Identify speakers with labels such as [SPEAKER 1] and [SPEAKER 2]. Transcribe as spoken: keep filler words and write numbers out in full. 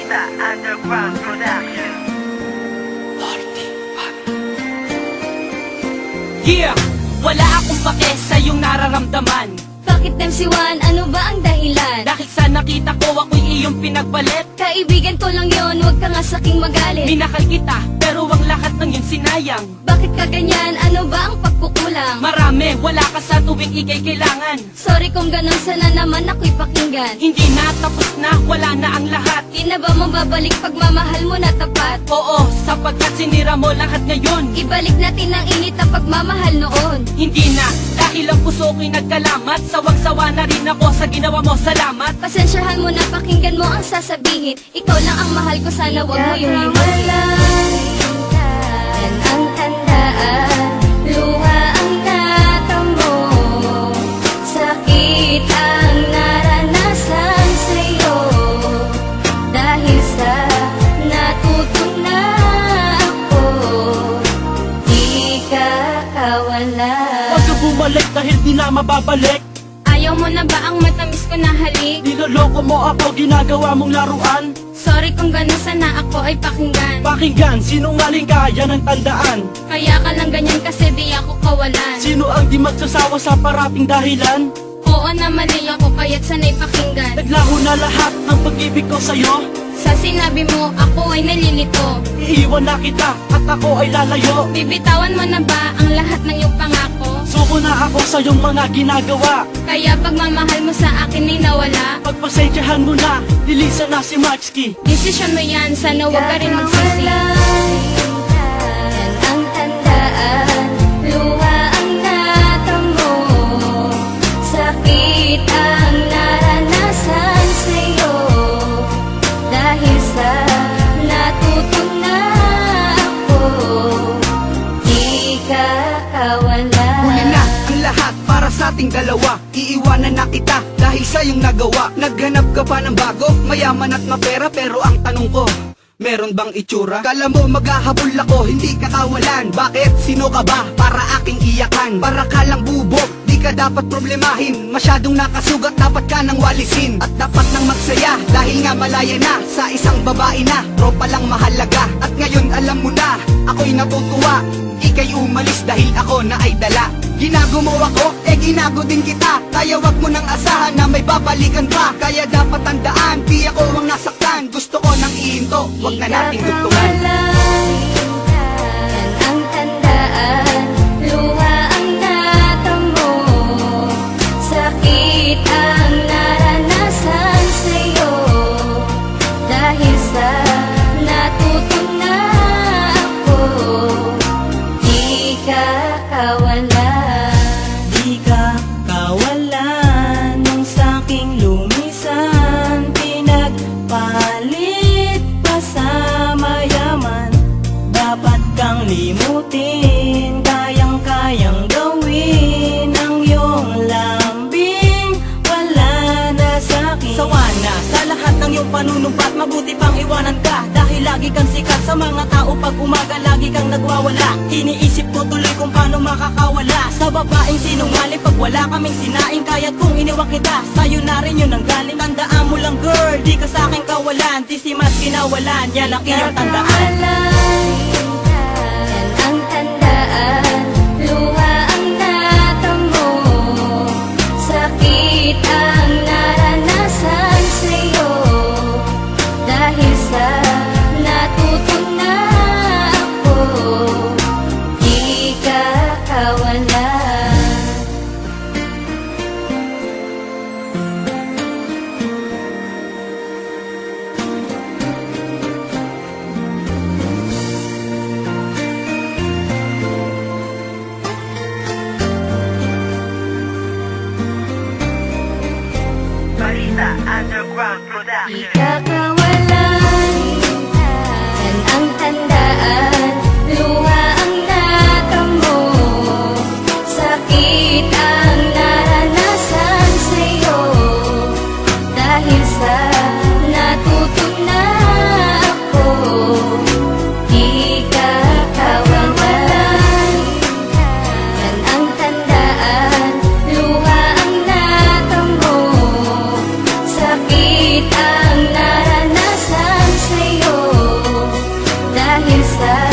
[SPEAKER 1] Balita Underground Production.
[SPEAKER 2] Yeah! Wala akong pake sa iyong nararamdaman.
[SPEAKER 3] Bakit M C one? Ano ba ang dahilan?
[SPEAKER 2] Dahil sa nakita ko ako'y iyong pinagbalit.
[SPEAKER 3] Kaibigan ko lang yon, huwag ka nga saking magalit.
[SPEAKER 2] Minakal kita, pero ang lahat ng yun sinayang.
[SPEAKER 3] Bakit ka ganyan? Ano ba ang pagkukulang?
[SPEAKER 2] Marami, wala ka sa tuwing ikay kailangan.
[SPEAKER 3] Sorry kung ganun, sana naman ako'y pakinggan.
[SPEAKER 2] Hindi na, tapos na, wala na ang lahat.
[SPEAKER 3] Di na ba mababalik pagmamahal mo na tapat?
[SPEAKER 2] Oo, sapagkat sinira mo lahat ngayon.
[SPEAKER 3] Ibalik natin ang init na pagmamahal noon.
[SPEAKER 2] Hindi na, dahil ang puso ko'y nagkalamat. Sawang-sawa na rin ako sa ginawa mo, salamat.
[SPEAKER 3] Pasensyahan mo na, pakinggan mo ang sasabihin. Ikaw lang ang mahal ko, sana wag mo yung hiwalayan. Yan ang tandaan, luha ang natamo, sakit ang naranasan sa'yo. Dahil sa natutong na ako, di ka kawala.
[SPEAKER 2] Huwag ka bumalik dahil di na mababalik.
[SPEAKER 3] Ayaw mo na ba ang matamis ko na halik?
[SPEAKER 2] Niloloko mo ako, ginagawa mong laruan.
[SPEAKER 3] Sorry kung gano'n, sana ako ay pakinggan.
[SPEAKER 2] Pakinggan, sinungaling ka, yan ang tandaan.
[SPEAKER 3] Kaya ka lang ganyan kasi di ako kawalan.
[SPEAKER 2] Sino ang di magsasawa sa parating dahilan?
[SPEAKER 3] Oo na mali ako, kaya't sana'y pakinggan.
[SPEAKER 2] Naglaho na lahat ng pag-ibig ko sa'yo.
[SPEAKER 3] Sa sinabi mo, ako ay nalilito.
[SPEAKER 2] Iiwan na kita at ako ay lalayo.
[SPEAKER 3] Bibitawan mo na ba ang lahat ng iyong pangako?
[SPEAKER 2] Suko na ako sa iyong mga ginagawa.
[SPEAKER 3] Kaya pagmamahal mo sa akin ay nawala.
[SPEAKER 2] Pagpasensyahan mo na, lilisan na si Maxky.
[SPEAKER 3] Desisyon mo yan, sana huwag ka rin magsisi. Yan ang tandaan, luha ang natamo, sakit ang naranasan sa'yo. Dahil sa natutong na ako, di ka kawala.
[SPEAKER 4] Huli na ang lahat para sa ating dalawa. Iiwanan na kita dahil sa iyong nagawa. Naghanap ka pa ng bago, mayaman at mapera. Pero ang tanong ko, meron bang itsura? Kala mo maghahabol ako, hindi ka kawalan. Bakit? Sino ka ba para aking iyakan? Para ka lang bubog, di ka dapat problemahin. Masyadong nakasugat, dapat ka nang walisin. At dapat nang magsaya, dahil nga malaya na sa isang babae na tropa lang mahalaga. At ngayon alam mo na, ako'y natutuwa. Ika'y umalis dahil ako na ay dala. Ginago mo ako, eh ginago din kita. Kaya wag mo nang asahan na may babalikan pa. Kaya dapat tandaan, di ako ang nasaktan. Gusto ko nang ihinto, wag na nating dugtungan.
[SPEAKER 3] Yan ang tandaan, luha ang natamo, sakit ang naranasan sa'yo. Dahil sa natutong na ako, di ka kawala.
[SPEAKER 5] Di ka kawalan nung saking lumisan. Pinagpalit pa sa mayaman. Dapat kang limutin, kayang-kayang gawin ang iyong lambing. Wala na sa'kin. Sawa na sa lahat ng iyong panunumpat, mabuti pang iwanan ka. Dahil lagi kang sikat sa mga tao, pag umaga lagi kang nagwawala. Iniisip ko tuloy kung paano makakawala sa babaeng sinungaling. Pag wala kaming sinaing, kaya't kung iniwan kita, sa'yo na rin yun ang galing. Tandaan mo lang girl, di ka sa'king kawalan. Di si mas kinawalan, yan ang iyong tandaan.
[SPEAKER 3] Yan ang tandaan, luha ang natamo, sakit ang naranasan sa'yo. Dahil sa natutong na ako, di ka kawala.
[SPEAKER 1] Balita Underground
[SPEAKER 3] Di
[SPEAKER 1] Production.
[SPEAKER 3] ka kawalan, yan ang tandaan, luha ang natamo, sakit ang naranasan sa'yo. Dahil sa natutong na ako, di ka kawalan. Yan ang tandaan, luha ang natamo, sakit ang naranasan sa